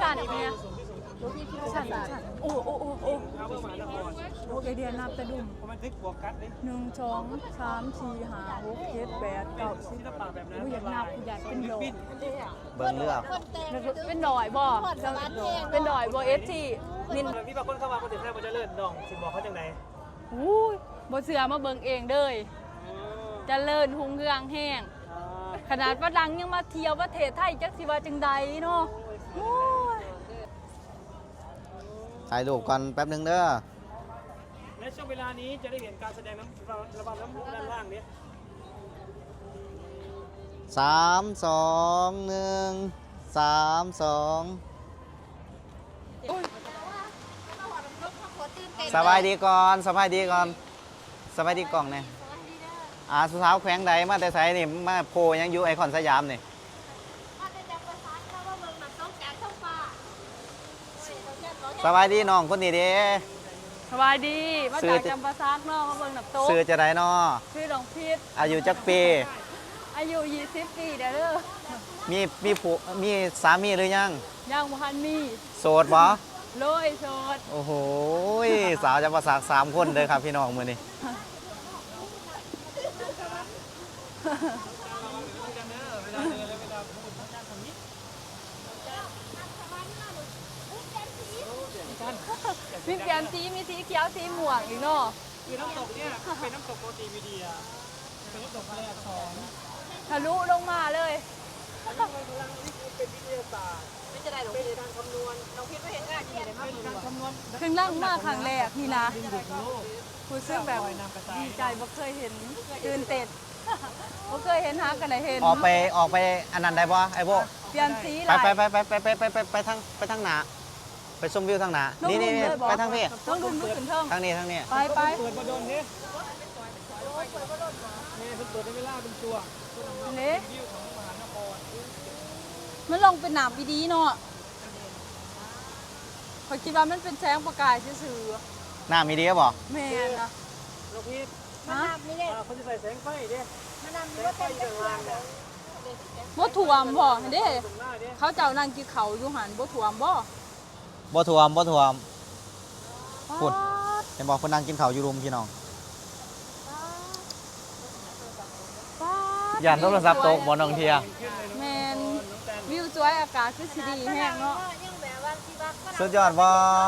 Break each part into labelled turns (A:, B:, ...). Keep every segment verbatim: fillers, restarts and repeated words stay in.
A: สั่นเนี่ยสั่นสั่นโอ้โอ้โอ้โอ้โอ้ไอเดียนับแต่ดุมหนึ่งสองสามสี่ห้าหกเจ็ดแปดเก้าสิบกูอยากนับกูอยากเป็นดอย
B: เบิ่งเลือก
A: เป็นดอยบ่เป็นดอยบ่เอฟซีนิน
C: พี่บางคนเข้ามาคนถึงแค่มันจะเลิศน้องสิบอกเขาจังไหน
A: อู้ยบ่เสือมาเบิ่งเองเด้ยจะเลิศหุงเรืองแห้งขนาดฝรั่งยังมาเที่ยวประเทศไทยจักสิว่าจังใดเนาะโอ้ย
B: ถ่ายรูปก่อนแป๊บนึงเด้อ
C: และช่วงเวลานี้จะได้เห็นการแสดงน้ำระบำน้ำพุด้านล่างนี้
B: สามสองหนึ่งสามสองสบายดีก่อนสบายดีก่อนสบายดีกล่องเนี่ยอาสุสาวแขวงใดมาแต่ไสนี่มาโพยังอยู่ไอคอนสยามนี่สบายดีน้องคนนี้เด้
A: สบายดีมาจากจำปาซักเนาะมาเบิ่งน้ำตก
B: ซื้อจะได้น้อ
A: ชื่อหลวงพีช
B: อายุจักปี
A: อายุยี่สิบปีเด้อเด้อ
B: มีมีผู้มีสามีหรือยัง
A: ยังบ่ทันมี
B: โสดบ่
A: โลยโสด
B: โอ้โหสาวจะประสากสามคนเลยครับพี่น้องมือนี้
A: มีเปลี่ยนสีมีสีเขียวสีม่วงอีกเนาะ
C: คือน้ำตกเนี่ยเป็นน้ำตกโมติวิเดียเป็นน้ำตกทะเลอักษร
A: ทะลุลงมาเลย
C: เป็นวิทยาศาสตร์ไม่จะได้หรอกเป็นการคำนวณน้องพิษไม่เห็นง่ายที่ไหนมาเป็นการคำนวณ
A: ขึ้นล่างมากครั้งแรกนี่นะคุณซึ่งแบบดีใจบ่เคยเห็นตื่นเต้นบ่เคยเห็นหากันได้เห็น
B: ออกไปออกไปอันนั้นได้ป่ะไอ้โบ
A: เปลี่ยนสี
B: ไปไปไปไปไปไปไปไปไปทางไปทางหนาไปชมวิวทางหนานี่นี่ไปทางพี่
A: ต้องดุนลุกขึ้นเทิง
B: ทางนี้ทางนี้
A: ไปไป
C: เปิดประดนนี่นี่เพิ่งเปิดได้เวลาเป็นตัว
A: เละมันลงเป็นหนามดีๆเนาะเขาคิดว่ามันเป็นแสงประกายซื่อ
B: หน้ามีดีก็บอก
A: ๆแม่นนะ
C: น้องพิษ
A: ฮะ
C: เขาจะใส่แสงไฟดิแสงไฟอยู่ข้างล่างเนี่ย
A: บ่ถ่วมบ่เด้
C: ตรงหน้าดิ
A: เขาเจ้านั่งกินเขาอยู่หันบ่ถ่วมบ่
B: บ่ถ่วมบ่ถ่วม พูด
A: ป๊าด
B: เห็นบอกคนนั่งกินข้าวอยู่รุมพี่น้อง
A: ป๊าด
B: ย่านโทรศัพท์ตกบ่น้องเทีย
A: แม่นวิวสวยอากาศคือสิดีแห้งเนาะ
B: สุดยอดบ่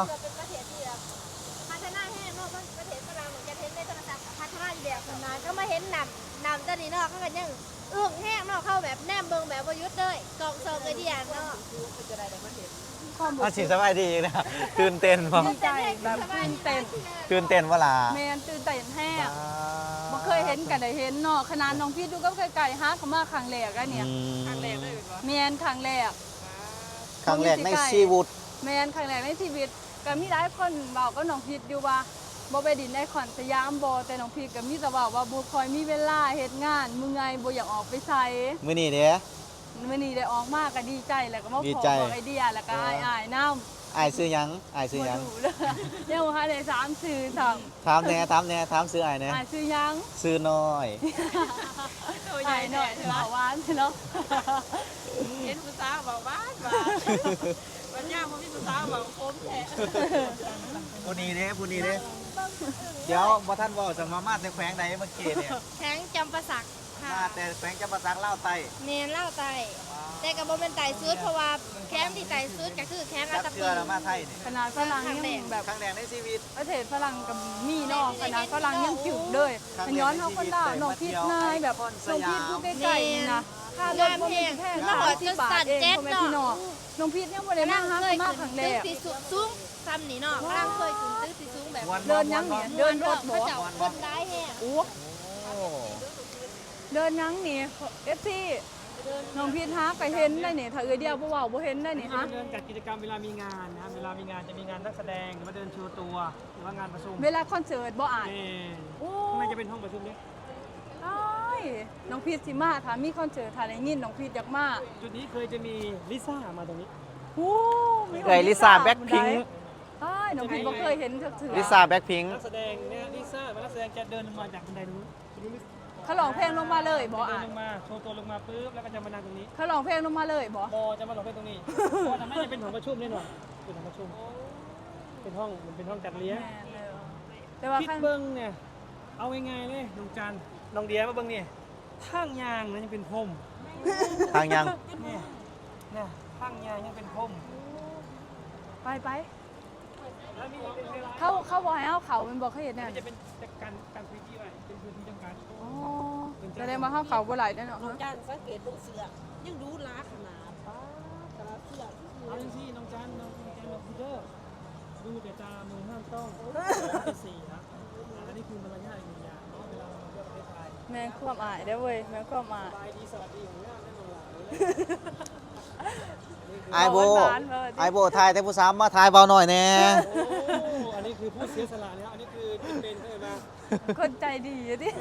D: พัฒนาแห้งเนาะประเทศฝรั่งเหมือนจะเห็นในโทรศัพท์พัฒนาอีแบบนานก็มาเห็นนำนำตอนนี้เนาะเขาก็ยังเอื้องแห้งเนาะเข้าแบบแนมเบิงแบบประยุทธ์เลยกองเซิร์ฟเลยเดียนเนาะ
A: ความ
B: อา
A: รู้
B: ชี
A: สึ
B: พ
A: ก
B: สบายดีนะตื่นเต้นบ่
A: ดีใจแบบตื่นเต้น
B: ตื่นเต้นว่าล่ะ
A: แม่นตื่นเต้นแห้งบ่เคยเห็นกันได้เห็นเนาะขนาดน้องพี่ดูก็ไกลๆหาเขามาครั้งแรกอะเนี่ยแม่นครั้งแรก
B: ครั้งแรกในชีวิต
A: แม่นครั้งแรกในชีวิตก็มีหลายคนเว้ากับน้องพีชอยู่ว่าบ่ไปดินในขอนสยามบ่แต่น้องพีชก็มีแต่เว้าว่าบ่ค่อยมีเวลาเฮ็ดงานมื้อไงบ่อยากออกไปไส
B: มื้อนี้เด้
A: มื้อนี้ได้ออกมาก็ดีใจแล้วก็มา
B: ดี
A: ขอ
B: ใจ
A: บอกไอเดียแล้วก็อายอายๆนำ
B: อ้ายซื้อหยังอ้ายซื้อหยัง
A: บ่รู้เลยยังบ่ทันได้สามชื่อซ้ํ
B: ถามแหน่ถามแหน่ถามซื้ออ้ายแหน่
A: อายชื่อหยัง
B: ซื้อน้อย
A: ตัวใหญ่หน่อยเบาหวานเนาะ
E: เห็นผู้สาวบอกว่าว่าวันย่างมันมีผู้สาวบอกผมแท้
B: ผู้นี้เด้ผู้นี้เด้เดี๋ยวบ่ทันเว้าจะมามาแต่แขวงใดเมื่อกี้เนี่ย
D: แข้งจำประสักค่ะ
B: มาแต่แขวงจำปาสักลาวใต้
D: เนนเล่าไตแต่กับโบเป็นไตซุดเพราะว่าแคมป์ที่ไตซุดก็คือแคมป์อั
B: จั
D: ต
B: ก
D: ต
B: เทื่อแล้วมาไทยนี่
A: ขนาดฝรั่งยังแบบ
B: ครั้งแรกในชีวิต
A: ประเทศฝรั่งกับมีเนาะขนาดฝรั่งยังจุกเลยอันย้อนเฮาคนลาวน้องพีชนายแบบน้องพีชอยู่ใกล้ๆนี่นะค่ารถบ่มีแพง
D: มาหอด
A: สิ
D: จ
A: บ
D: น
A: บา
D: สั่
A: ท
D: น
A: เอง
D: เจ็ด
A: พ่อแม่
D: เนาะ
A: พี่น้องน้องพีชยังบ่ได้มาหาเขามาครั้งแร
D: ตึ้ง
A: ก
D: ที่สุดสูงซ้ำนี่เนาะกำลังเคยขึ้นตึ้งที่สูงแบบ
A: เดินยังเนี่ยเดินรถบ่
D: เขาเจ้าคนได้แห้ง
A: โอ้
B: โอ้
A: เดินยังนี่ เอฟ ซี น้องพีชหาไปเห็นได้นี่ถ้าเอื้อเดียวบ่เว้าบ่เห็นได้นี่ฮะ
C: เดินจัดกิจกรรมเวลามีงานนะเวลามีงานจะมีงานนักแสดงหรือว่าเดินโชว์ตัวหรือว่างานประชุม
A: เวลาคอนเสิร์ตบ่อ่าน
C: เออ
A: โอ้
C: ข้างในจะเป็นห้องประชุมนี้
A: อ้ายน้องพีชสิมาถ้ามีคอนเสิร์ตถ้าได้ยินน้องพีชอยากมา
C: จุดนี้เคยจะมีลิซ่ามาตรงนี้
A: โอ้มี
B: เอ้ยลิซ่าแบ็คพิงค์
A: อ้ายน้องพีชบ่เคยเห็นจักเทื่อ
B: ลิซ่าแบ็คพิงค์
C: นักแสดงเนี่ยลิซ่าเป็นนักแสดงจะเดินลงมาจากบันไดนู้นดูลิ
A: เขาร้องเพลงลงมาเลยบ่
C: เดิ
A: อ่าน น
C: ลงมาโชว์ตัวลงมาปุ๊บแล้วก็จะมานั่งตรงนี้
A: เขาร้องเพลงลงมาเลยบ่
C: บอจะมาหลบไปตรงนี้เพราะทำให้จะเป็นห้องประชุมแน่นอนเป็นห้องประชุมเป็นห้องมันเป็นห้องจัดเลี้ยง
A: แม่นเลยแต่ว่า
C: คิด
A: ข้าง
C: เบิ้งเนี่ยเอาง่ายๆเลยน้องจันน้องเดียมาเบิ้งนี่ทางยางนะยังเป็นพรม
B: ทางยัง
C: เนี่ยเนี่ยทางยางยังเป็นพรม
A: ไปไป
C: แล้วนี่เป็นเวลา
A: เขาเขาบอกให้เอาเขาเป็นบอกเขาเห็นเนี่ย
C: จะเป็นจัดการการพื้นที่ไว้เป็นพื้นที่จำกัด
A: อ๋อแสดงว่าเขาเขาบ่หลายแน่เนาะ
E: น้องจันสังเกตตรงเสือยังดูล้าขนาดป้าแต่ละเสือ
C: เอาอย่างที่น้องจันน้องจันน้องพีเตอร์ดูแต่ตามือห้ามต้องเป็นสี่นะอันนี้คือมารยาทอีกหนึ่งอย่างเนาะเวลาเราเที่ยวประเทศไทย
A: แม่งความอายได้อเว้ยแม่งความอาย
C: บายดีสวัสดีของงามแน่นอนล่ะ
B: ไอโบ
A: บอกหวานๆเออ
B: ไอโบทายแต่ผู้สามมาทายเบาหน่อยแน่
C: โอ้อันนี้คือผู้เสียสละนะครับอันนี้คือเป็นเป็นเข้ามา
A: คนใจดีอะดิ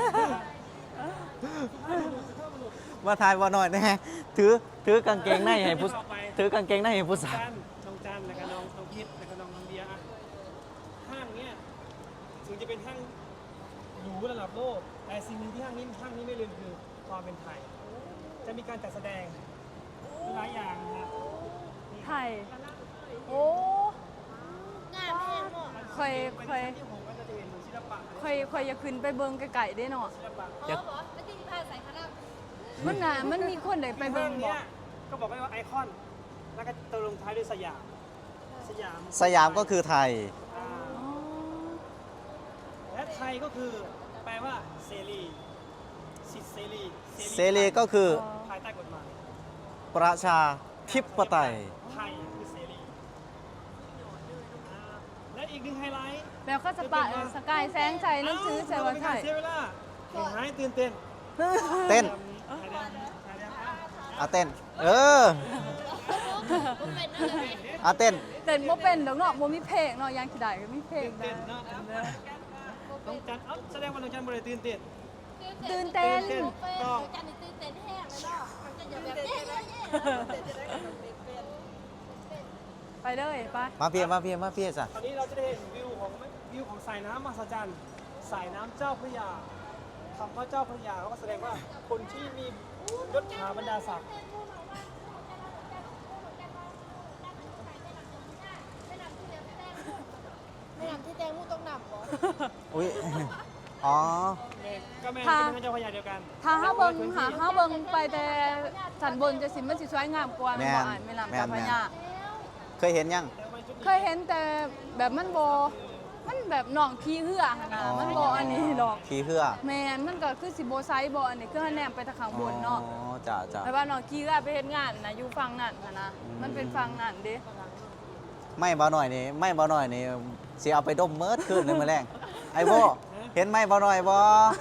B: มาทายเบาหน่อยแน่ถือถือกางเกงในให้ผู้ถือกางเกงในให้ผู้สาว
C: จันน้องจันแล้วก็น้องน้องพิษแล้วก็น้องน้องเดียอะห้างเนี้ยถึงจะเป็นห้างหรูระดับโลกแต่สิ่งหนึ่งที่ห้างนี้ห้างนี้ไม่ลืมคือความเป็นไทย จะมีการจัดแสดงหลายอย่างนะ
A: ไทยโอ้
D: งามแห้งเนาะ
A: เคยเคย
C: ที่ผมก็จะเห็นศิลปะ
A: เคยเคยอยากขึ้นไปเบิ่งไกลๆได้เนาะ
C: ศิลปะ
D: อ๋อบ่ไม่ใช่ที่พาใส่คณะ
A: มันน่ะมันมีคนได้ไปเบิ่ง
C: ห้าง
A: บ่
C: เนี้ยก็บอกไว้ว่าไอคอนแล้วก็ตัวลงท้ายด้วยสยามสยาม
B: สยามก็คือไทย
C: อ่า
A: อ๋อ
C: และไทยก็คือแปลว่าเสรีสิทธิเสรี
B: เสรีก็คือ
C: ภายใต้กฎหมาย
B: ประชาธิปไตย
C: ไทยคือเสรีอ่าและอีกหนึ่งไฮไลท์
A: แล้วก็สปะเออสกายแสงใจหนังสือใส่ว่าไทย
C: เสียเวลาเห็นไหมตื่นเต้น
B: เต้น
C: ถ่ายได้ถ่ายได้อ่ะ
B: เอาเต้น เออ
D: ผมเป็นอะไร
B: เอาเต้น
A: เต้นบ่เป็นดอกเนาะบ่มีเพลงเนาะยังสิได้ก็มีเพลง
C: ตื่น
A: ได้
C: เต้นเนาะน้องจันเอ้าแสดงว่าน้องจันบ่ได้ตื่นเต้น
A: ตื่นเต้น
C: ตื่นเต้น
D: ต้องจันตื่นเต้นแห้งเลยเนาะมันจะอย่าแบบเย้ๆ
A: ไปเลยไป
B: มาเพียมาเพียมาเพียจ้ะ
C: ตอนนี้เราจะได้เห็นวิวของวิวของสายน้ำมหัศจรรย์สายน้ำเจ้าพระยาคำว่าเจ้าพระยาเขาก็แสดงว่าคนที่มียศถาบรรดาศักดิ์
D: ไม่นำที่แตงมูต้องนำบ่
B: อุ้ย อ๋อ
C: ก็แม่น
A: ค่ะ
C: เป็นเจ้าพระยาเดียวกัน
A: ถ้าเฮาเบิ่งหาเฮาเบิ่งไปแต่สันบนจะสิมันสิสวยงามกว่าแม่นบ่
B: แม่น
A: อ่านแม่น้ำ
B: แม่น
A: เจ้าพระยา
B: เคยเห็นยัง
A: เคยเห็นแต่แบบมันบ่มันแบบหนองขี้เหือหั่นน่ะ
B: อ๋อ
A: มันบ่อันนี้ดอก
B: ขี่เหือ
A: แม่นมันก็คือสิบ่ไซส์บ่อันนี้คือแนมไปทางข้างบนเนาะ
B: อ๋อจ้ะจ้ะ
A: แต่ว่าหนองขี้เหือไปเฮ็ดงานน่ะอยู่ฝั่งนั้นน่ะนะมันเป็นฝั่งนั้นเด้
B: ไม่เบาหน่อยนี่ไม่เบาหน่อยนี่สิเอาไปดมเมิดขึ้นหนึ่งมาแรงไอ้โบเห็นไหมเบาหน่อยบ่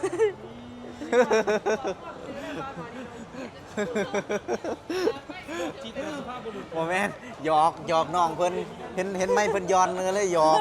C: จิตสุภาพบุรุษ
B: โมแมนหยอกหยอกน้องเพิ่นเห็นเห็นไหมเพิ่นย้อนเลยเลยหยอก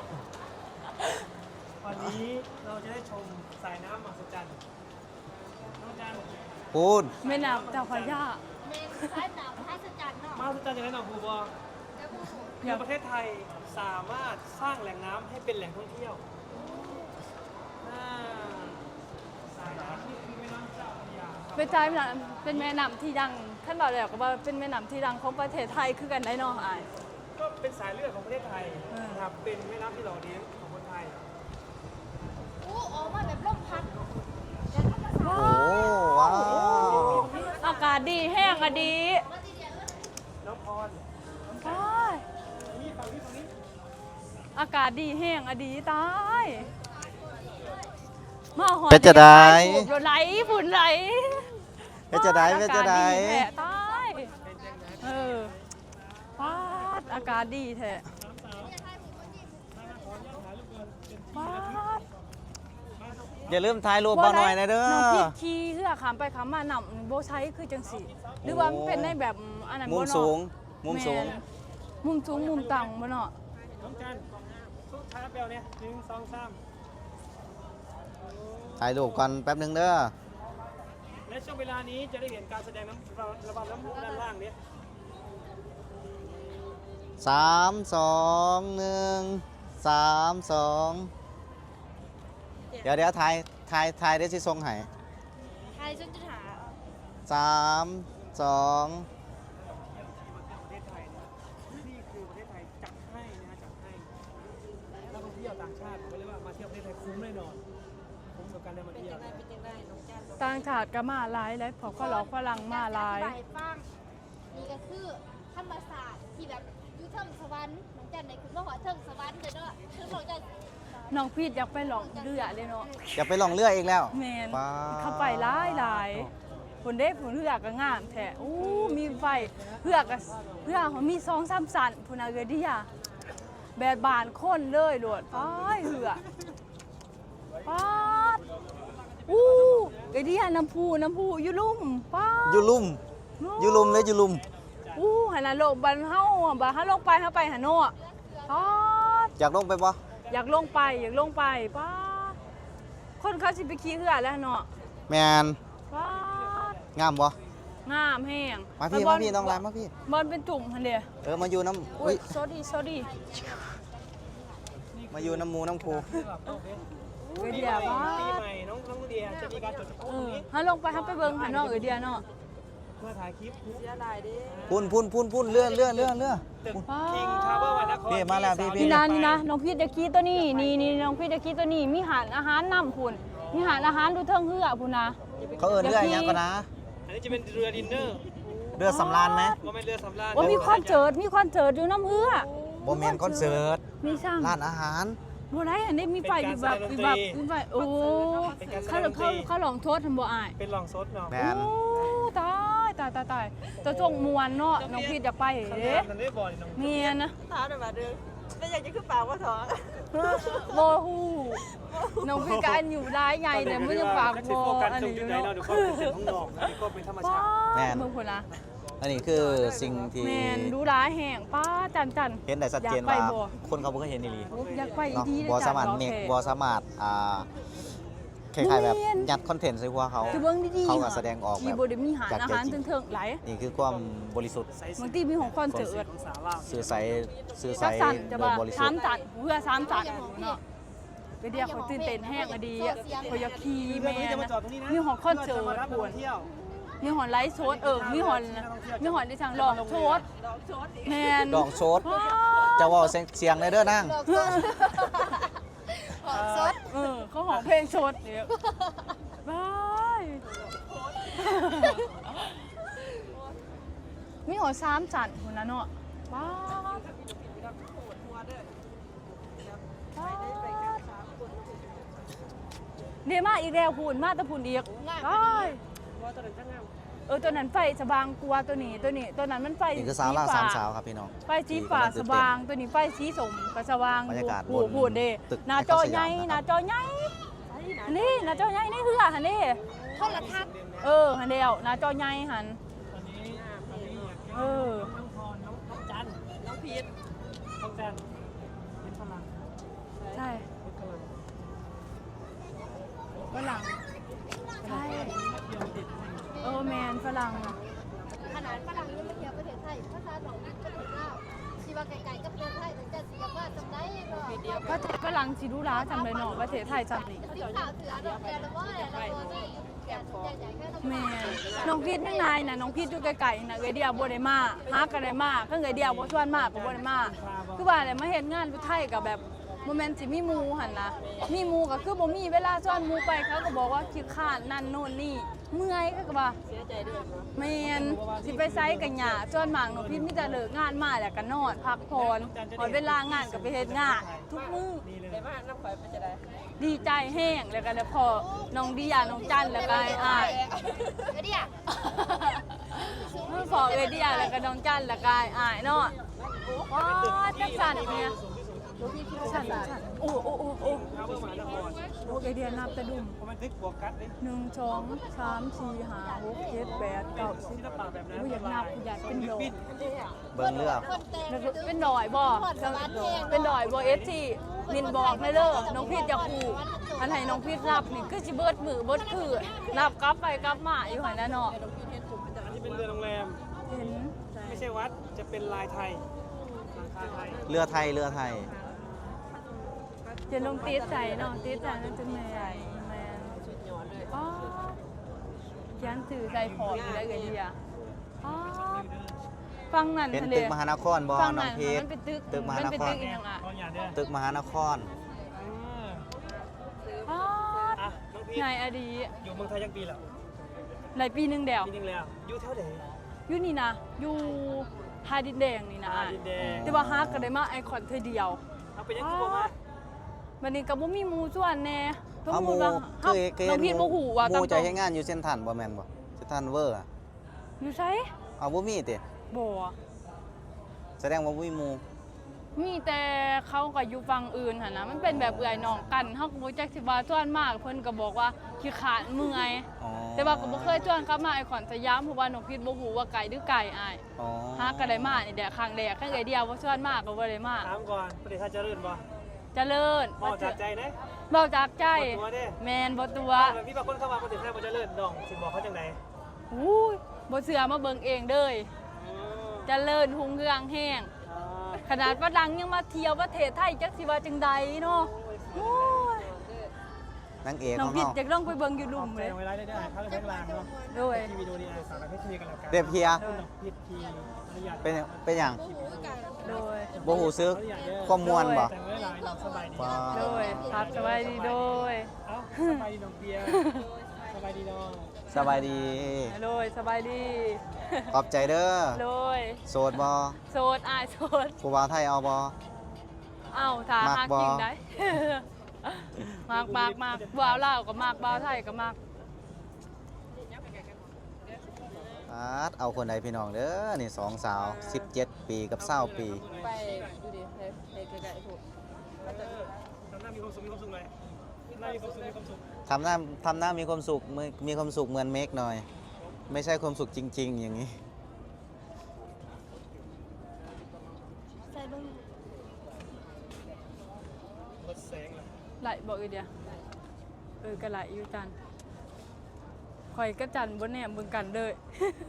C: วันนี้เราจะได้ชมสายน้ำมหัศจรรย์น้องจัน
B: ปูน
A: แม่น้ำเจ้าพระยา
D: เมนซ้ายหนาวท้ายสจันเนาะ
C: มหัศจรรย์อย่างไรหนองภูบอคือประเทศไทยสามารถสร้างแหล่งน้ำให้เป็นแหล่งท่องเที่ยวอ่าสายน้ำนี่คือแม่น้ำเจ้าพระยาครับ
A: เป็นใจแม่น้ำเป็นแม่น้ำที่ดังท่านบอกแล้วก็ว่าเป็นแม่น้ำที่ดังของประเทศไทยคือกันได้เนาะอ้าย
C: ก็เป็นสายเลือดของประเทศไทย
A: เออ
C: นะครับเป็นแม่น้ำที่หล่อเลี้ยงของคนไทย
D: อู้ออกมาแบบลมพัด
B: โอ้ว้าว
A: อากาศดีแห้งอะดี
C: น้องพร
A: ตาย
C: นี่ฝั่งนี้ฝั่งนี้
A: อากาศดีแห้งอะดีตายมาหอ
B: เป็นจะได้
A: ถูกไหลฝุ่นไหล
B: เป็นจะได้เป็นจะได้
A: อากาศแท้ตายเออปาดอากาศดีแท้ปาด
B: อย่าลืมถ่ายรูปเบาหน่อยนะเด้อ
A: น้องพี่ขี่เหือขามไปขามมาหนำโบใช้คือจังสีหรือว่ามันเป็นในแบบอันนั้น
B: มุ
A: บ่
B: ม
A: เนาะ
B: สูง มุมสูง
A: แนมุมสูงมุมต่ำบ่เนาะ
C: น้องจันทุกท้ายแปลวเนี่ยหนึ่งสองสาม
B: ถ่ายรูปก่อนแป๊บหนึงเด้อ
C: และช่วงเวลานี้จะได้เห็นการแสดงน้ำระบำน้ำพุด้านล่างเนี่ย
B: สามสองหนึ่งสามสองเดี๋ยวเดี๋ยวถ่ายถ่ายถ่ายได้สิทรงให้
D: อะไรฉันจะหา
B: สามสอง
C: ประเทศไทยเนี่ยนี่คือประเทศไทยจัดให้นะฮะจัดให้นักท่องเที่ยวต่างชาติเขาเรียกว่ามาเที่ยวประเทศไทยคุ้มแน่นอนคุ้มกับการได้มา
E: เป็น
C: เที่ย
E: จั
C: ว
E: งได้เป็นจังได้น้องจัน
A: ต่างชาติก็มาหลายแล้วพอก็หลอกฝรั่งมาหลาย
D: อธิบให้ฟังนี่ก็คือธรรมศาสตร์ที่แบบอยู่เทิงสวรรค์น้องจันในคือว่าหัวเทิงสวรรค์เลยเนาะคือน้องจัน
A: น้องพีดอยากไปหลองเรือเลยเนาะ
B: อย่าไปลองเรืออีกแล้ว
A: แมน
B: ว้า
A: เข้าไปหลายหลายผลได้ผลเรือก็งามแท้อู้มีไฟเรือก็เรือเขามีสองสามสันพุ่นน่ะเกดิยาแบบบานคนเลยโลดป้ายเรือป้าดอู้เกดิยาน้ำพุน้ำพุอยู่ลุ่มป้าด
B: อยู่ลุ่มอยู่ลุ่มเลยอยู่ลุ่ม
A: อู้หันน่ะโลกบันเฮาอะบ่เฮาลงไปเฮาไปหาโน่อะป้าด
B: อยากลงไปปะ
A: อยากลงไปอยากลงไปป้าดคนเขาสิไปขี่เรือแล้วเนาะ
B: แมน
A: ป้าด
B: งามปะ
A: งามแห้ง
B: มาพี่
A: แล้วบ
B: มา
A: ล
B: พี่น้องรายมาพี่
A: บอลเป็นจุ่มฮันเดีย
B: เออมาอยู่น้ำ
A: อุ้
B: อุ้
A: ย
B: ย
A: โซดีโซดี
B: มาอยู่น้ำหมูน้ำคู
C: ที่แบบโอเค
A: เอ
C: ปี
A: เดี
C: ให
A: ย
C: ม่
A: ว่า
C: ปีใหม่น้องน้องเดียจะมีการจดทะ
A: เอ
C: เบีย
A: อน
C: นี้
A: ฮัลลงไปฮับไปเบิ้งหันนอกเอเดียเนาะ
C: เพื่อถ่ายคลิป
E: เสียดายเด้
B: พุ่นพุ่นพุ่นพุ่นเลื่อนเลื่อนเลื่อนเลื่อน
C: ตึกคิงทาวเวอร์วันนคร
B: พี่มาแล้วพี่พี่
A: นี่นะนี่นะน้องพีดตะกี้ตัวนี้นี่นี่น้องพีดตะกี้ตัวนี้มีหารอาหารนำคุณมีหารอาหารดูเทิงเฮือพุ่นนะ
B: เขาเอินเรืออย่างก็นะ
C: อันนี้จะเป็นเรือดินเนอร์
B: เรือสำราญไหม
C: ว่าเป็นเรือสำราญ
A: ว่ามีคอนเสิร์ตมีคอนเสิร์ตอยู่น้ำเฮือ
B: โมเมนคอนเสิร์ต
A: มีช่าง
B: ร้านอาหาร
A: บัวไรอันนี้มีไฟมีแบบมีแบบมีไฟโอ้เขาเขาเขาลองโทษทันบัวอาย
C: เป็นลองซดเนาะ
B: แมน
A: โอ้ตายตายตายตายตัวจงมวนเนาะน้องพีดอยากไป
C: ข้าง
A: เด้
C: ล่างนั้นได้บ่อยน้อง
A: เมียนะ
E: ถามหน่อยมาเด้อแล้วอยากจะขึ้นปากว่าท้อง
A: โบฮูน้องพี่การอยู่ได้ไงแต่ไม่ยังฝากโบ
C: โฟกัส
A: อัน
C: ตรง
A: นี้
C: จุดไหน
A: เนาะ
C: เนาะเดี๋ยวก็เป็นเสียงข้างนอกนะเดี๋ยวก็เป็นธรรม
A: ป้า
C: ชาติ
A: เมืองคนนะ
B: อันนี้คือสิ่งที่
A: แมนดูร้ายแห่งป้าจันจัน
B: เห็นได้ชัดเจน
A: อยากไป
B: ว่า
A: บ่
B: คนเขาบ่เคยเห็นอีหลี
A: อยากไป
B: เนาะ
A: ดี
B: บอสามารถเน็กบอสามารถอ่าคล้ายๆแบบยัดคอนเทนต์ใส่หัวเขา
A: คือเบิ้งดีๆ
B: เขาก็แสดงออก
A: มี
B: แบบ
A: โบเดมีหาร
B: จาก
A: อา
B: ใจ
A: หาร
B: จริง
A: เถิงๆไหลาย
B: นี่คือความบริสุทธิ์
A: บางทีมีของคอนเสิร์ต
C: ของสาวลาว
B: สื่อใสสื่อใส
A: จักสันจะ
B: โด
A: บ่
B: ยบริสุ
A: สา
B: ท
A: ม
B: ธิ์
A: จันเพื่อสามจันเนาะไปเดียวเขาตื่นเต้นแห้งอะดีอะเขาอยากขี่
C: เรือ
A: แม่
C: นี้จะมา
A: นะ
C: จอดตรงนี้นะ
A: มีของคอนเสิร์ต
C: พื่จะมารับนัก
A: ปว
C: ท่
A: ด
C: องเที่ยว
A: มีหอนไลฟ์โชดเออมีหอนมีหอนที่ทางลองโชด
E: ดอกโชดอีก
A: แมน
B: ดอกโชดจะเว่าเสียงเสียงเลยเด้อนั่ง
D: ดอกสดดอกสด
A: เออเขาหอมเพลงโชดเนี่ยบายมีหอสามจันคนนั้นเนาะบ้า
E: ปวดหัวเด้อ
A: เดี๋ยวมาอีกแล้วพูนมาแตะพูนอีกบาย
C: ว่าตอนนั้นช่างงาม
A: เออตัวนั้นไฟสว่างกลัวาตัวนี้ตัวนี้ตัวนั้นมันไฟ
B: นี่คือสาวล่าสามสาวครับพี่น้อง
A: ไฟสีฟ้าสว่างตัวนี้ไฟสีสมก็สว่าง
B: บรรยากาศ
A: โอ้
B: บ
A: โห
B: น
A: พูดเด้
B: ตึก
A: หน้าจอใหญ่
B: ไอคอนสยามนะครับ
A: หน้าจอใหญ่อันนี่หน้าจอใหญ่นี่คือหันนี่
D: โทรทัศน์
A: เออหันเดียวหน้าจอใหญ่หัน
C: ตอนนี้ตอนนี้
A: เออ
C: น้องพรน้องน้องจัน
E: น้องพีท
C: น้องจันเป็นพลัง
A: ใช่
C: เป็นพลัง
A: ฝรั่งใช่
C: เที่ยวติด
A: เออแมนฝรั่ง
D: ขนาดฝรั่งยังมาเที่ยวประเทศไทยภาษาหนองนั่นก็ถึงแล้วชีวาไกลๆก็ประเทศไทยแต่จะสิยาว่าจำได้เนาะ
A: ก็ฝรั่งสิรู้ร้าจำเลยเนาะประเทศไทยจำนี่
D: สิข่าวถืออันนั้นแต่ละว่าแต่ละตัวได้อยู่แก่ใหญ่ๆแค่น้ำ
A: แม่น้องพีทยังไงนะน้องพีทอยู่ไกลๆนะเอเดียบ่ได้มาหากันได้มาก็เอเดียบ่ชวนมาก็บ่ได้มาคือว่าอะไรมาเฮ็ดงานอยู่ไทยกับแบบโมเมนต์สิมีหมู่หั่นนะมีหมู่ก็คือบ่มีเวลาชวนหมู่ไปเขาก็บอกว่าขี้ข้านนั่นโน่นนี่เมื่อยก็ว่า
E: เสียใจด้วยเนาะ
A: แม่นสิไปไสกันหยาชวนหมางน้องพีทมีแต่เลิกงานมาแล้วก็นอนพักผ่อนพอเวลางานก็ไปเฮ็ดงานทุกมื้อ
C: นี่เลย
E: แต่ว่าน้ำข่อยเป็นจะได้
A: ดีใจแห้งแล้วก็แล้วพอน้องดียาน้องจันแล้วก็อ้าย
D: เดี๋ยวดิอ่ะ
A: เมื่อพอเอเดียแล้วก็น้องจันแล้วก็อ้ายเนาะว้าจังสั่นเนี่ยสั่นสั่นโอ้โอ้โอ้โอ้
C: ทาวเวอร์มหานคร
A: โอ้เอเดียนับแต่ดุม
C: เพราะมันทึกบวกกัดเลย
A: หนึ่งสองสามสี่ห้าหกเจ็ดแปดเก้าสิบ
C: ศิลปะแบบนั้น
A: กูอยากนับกูอยากเป็นดอย
B: เบิ่งเรือ
D: คนแต่ง
A: แล้วก็เป็นดอยบ่เป็นดอยบ่เอฟซีนินบอกเลยเด้อน้องพีทอยากคู่อันไหนน้องพีทนับนี่คือสิเบิดมือเบิดคือนับกลับไปกลับมาอยู่หั่นน่ะเนาะ
C: อันนี้เป็นเรือโรงแรม
A: เห็น
C: ไม่ใช่วัด จะเป็นลายไทยหลังคาไทย
B: เรือไทยเรือไทย
A: จะลงตีดใจเนาะตีดใจนั่นจะแม่แม่น
E: สุดยอดเลย
A: อ๋อเขียนสื่อใส่ขอบอยู่ได้เอ่ยเดียอ๋อฟังนั่น
B: เป็น
A: ทะเล
B: ตึกมหานครบ่
A: ฟัง
B: น้อ
A: นั่
B: ง
A: น
B: พีช
A: มันเป็นตึก
B: ตึกมหานคร
A: มันเป็นตึกอีกอย่างอ่ะ
C: ตอนอย่างเด้อ
B: ตึกมหานคร
A: อ๋อ
C: อ่ะน้องพีช
A: นายอดี
C: อยู่เมืองไทยยังปีแล้ว
A: หลายปีหนึงเดียว
C: ปีนึงแล้วอยู่แถวไหน
A: อยู่นี่นะอยู่ฮาดินแดงนี่นะ
C: อ่าดินแดง
A: แต่ว่าฮักก็ได้มาไอคอนเธอเดียว
C: เอาไปยังคือบ่มา
A: วันนี้ก็บ่มีหมู่ส่วนแน่สม
B: เอาห
A: มุ
B: มู่
A: ติว่า
B: เคยเคย
A: น้องพีชบ่ฮู้ว่า
B: ห
A: ตาม
B: มู่
A: ต
B: ใจ
A: รง
B: เฮ็ดงานอยู่เส้นทรันบ่แม่นบ่เส้นทรันเวอร์อะ
A: อยู่ไส
B: เอาบ่มีติ
A: บ่
B: แสดงว่าบ่มีหมู่
A: มีแต่เขาก็อยู่ฝั่งอื่นหั่นนะมันเป็นแบบเอื่อยน้องกันเฮาก็บ่จักสิว่าส่วนมากเพิ่นก็บอกว่าขี้ขลาดเมื่อย
B: อ๋อ
A: แต่ว่าก็บ่เคยชวนกลับมาไอคอนสยามเพราะว่าน้องพีชบ่ฮู้ว่าไกลหรือไกลอ้าย
B: อ๋อ
A: ฮักก็ได้มานี่แหละครั้งแรกครั้งเดียวบ่ชวนมากก็บ่ได้มา
C: ถามก่อนประเทศไทยเจริญบ่
A: เจริญ
C: บ่จากใจนะ
A: เว้าจากใจ
C: บ่ตัวเด้
A: แม่นบ่ตัว
C: แบบมีบางคนเข้ามาประเทศไทยบ่เจริญน้องสิบอกเขาจังได
A: อู้ยบ่เชื่อมาเบิ่งเองเด้ย
C: อ๋อ
A: เจริญหุ่งเรืองแห้ง
C: อ่า
A: ขนาดฝรั่งยังมาเที่ยวประเทศไทยจักสิว่าจังใดเนาะโอ้ย
B: นางเอก
A: น้
B: ข
A: อ
B: อง ง
A: พิด
B: เฮา
A: อยากลองไปเบิ่งอยู่
C: ข
A: ลุ่
C: อบ
A: ม
C: ใจ
A: เลย
C: เอาไว้ไล่ได้ได้เขาเลยแบงค์ลางเนาะ
A: โดย
C: ที่วิดีโอนี้อ่ะสารให้คุยกันแล้วกัน
B: เด็บเพีย
C: น้องพีชพีอนุญาต
B: เป็นเป็นหยัง
A: โดย
B: บ่ฮู้ซึกความม่วนบ่
C: แต่งไว้หลายน้องสบายดี
B: ว้า
A: โดยครับสบายดีโดย
C: เอ้าสบายดีน้องเบียร์สบายดีน้อง
B: สบายดี
A: โดยสบายดี
B: ขอบใจเด้อ
A: โดย
B: โสดบ่
A: โสดอายโสด
B: ผู้บ่าวไทยเอาบ่
A: เอ้าถ้า
B: มัก
A: หาก
B: บ่
A: จริงได้ มากมากมากบ่าวลาวก็มากบ่าวไทยก็มาก
B: อาดเอาคนใดพี่น้องเด้อนี่สองสาวสิบเจ็ดปีกับเศร้าปี
E: ไปดูดิให้ให้ไกลๆพวก
C: ทำหน้ามีความสุขมีความสุขเลยหน้ามีความสุขมีความสุข
B: ทำหน้าทำหน้ามีความสุขมีมีความสุขเหมือนเมกหน่อย ไม่ใช่ความสุขจริง ๆ อย่างนี้
D: ใส่เบิ่ง
C: รถแสงเลย
A: ไหลบ่อีเดียเออก็ไหลอยู่จันข่อยก็จันบ่แน่เบิ่งกันเด้อ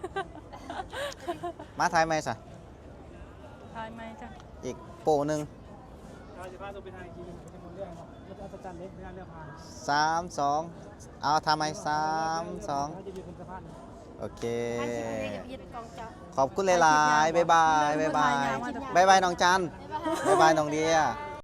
B: มาถ่ายไหมซะ
A: ทายไหมจ้ะ
B: อีกโปหนึ่ง
C: เราจะพาตัวไปทางอีกทีนึงเป็นคนเรื่องเนาะรถอัศจรรย์เล็กในการเลือกพาน
B: สามสองเอาทำไหมสามสอง
C: เราจะอยู่บนสะพาน
B: โอเค
D: อันสิบ่ได้กับยึดกองเจ้า
B: ขอบคุณหลายๆบ๊ายบายบ๊ายบายบ๊ายบายน้องจันบ๊ายบายน้องเดีย
D: บ